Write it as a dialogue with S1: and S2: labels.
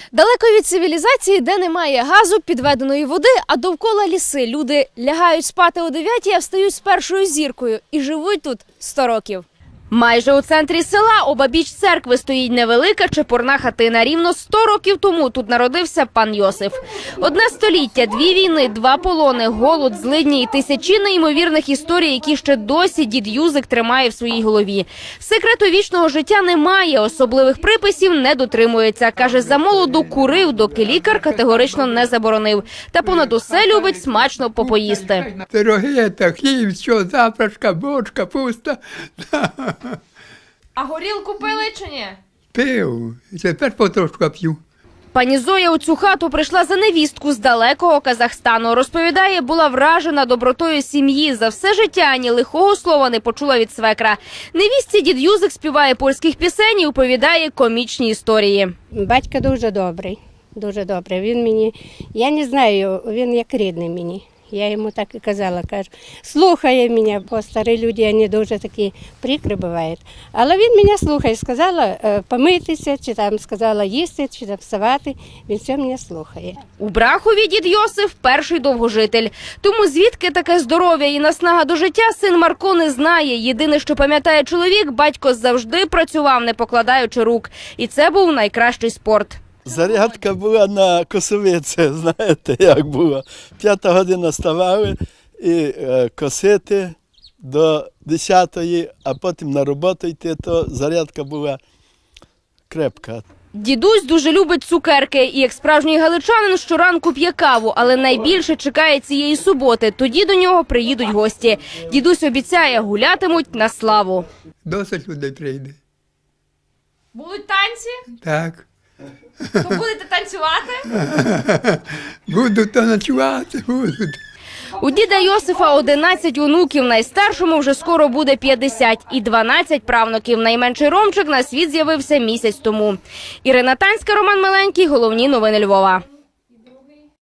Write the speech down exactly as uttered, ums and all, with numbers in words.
S1: Далеко від цивілізації, де немає газу, підведеної води, а довкола ліси. Люди лягають спати о дев'ятій, а встають з першою зіркою і живуть тут сто років. Майже у центрі села, обабіч церкви, стоїть невелика чепурна хатина. Рівно сто років тому тут народився пан Йосиф. Одне століття, дві війни, два полони, голод, злидні і тисячі неймовірних історій, які ще досі дід Юзик тримає в своїй голові. Секрету вічного життя немає, особливих приписів не дотримується. Каже, за молоду курив, доки лікар категорично не заборонив. Та понад усе любить смачно попоїсти.
S2: Пироги, та хліб, що, запрашка, бочка, пуста.
S1: А горілку пили чи ні?
S2: Пив, і тепер потрошку п'ю.
S1: Пані Зоя у цю хату прийшла за невістку з далекого Казахстану. Розповідає, була вражена добротою сім'ї. За все життя ані лихого слова не почула від свекра. Невістці дід Юзик співає польських пісень і оповідає комічні історії.
S3: Батько дуже добрий, дуже добрий. Він мені, я не знаю, він як рідний мені. Я йому так і казала, кажу, слухає мене, бо старі люди, вони дуже такі прикри бувають. Але він мене слухає, сказала помитися, чи там сказала їсти, чи там вставати, він все мене слухає.
S1: У Брахові дід Йосиф – перший довгожитель. Тому звідки таке здоров'я і наснага до життя син Марко не знає. Єдине, що пам'ятає чоловік, батько завжди працював, не покладаючи рук. І це був найкращий спорт.
S4: Зарядка була на косовиці, знаєте, як було. П'ята година ставали і е, косити до десятої, а потім на роботу йти, то зарядка була крепка.
S1: Дідусь дуже любить цукерки і, як справжній галичанин, щоранку п'є каву, але найбільше чекає цієї суботи. Тоді до нього приїдуть гості. Дідусь обіцяє, гулятимуть на славу.
S2: Досить людей прийде.
S1: Будуть танці?
S2: Так.
S1: То будете танцювати?
S2: Будуть то ночувати, будуть.
S1: У діда Йосифа одинадцять онуків, найстаршому вже скоро буде п'ятдесят, і дванадцять правнуків. Найменший Ромчик на світ з'явився місяць тому. Ірина Танська, Роман Миленький, головні новини Львова.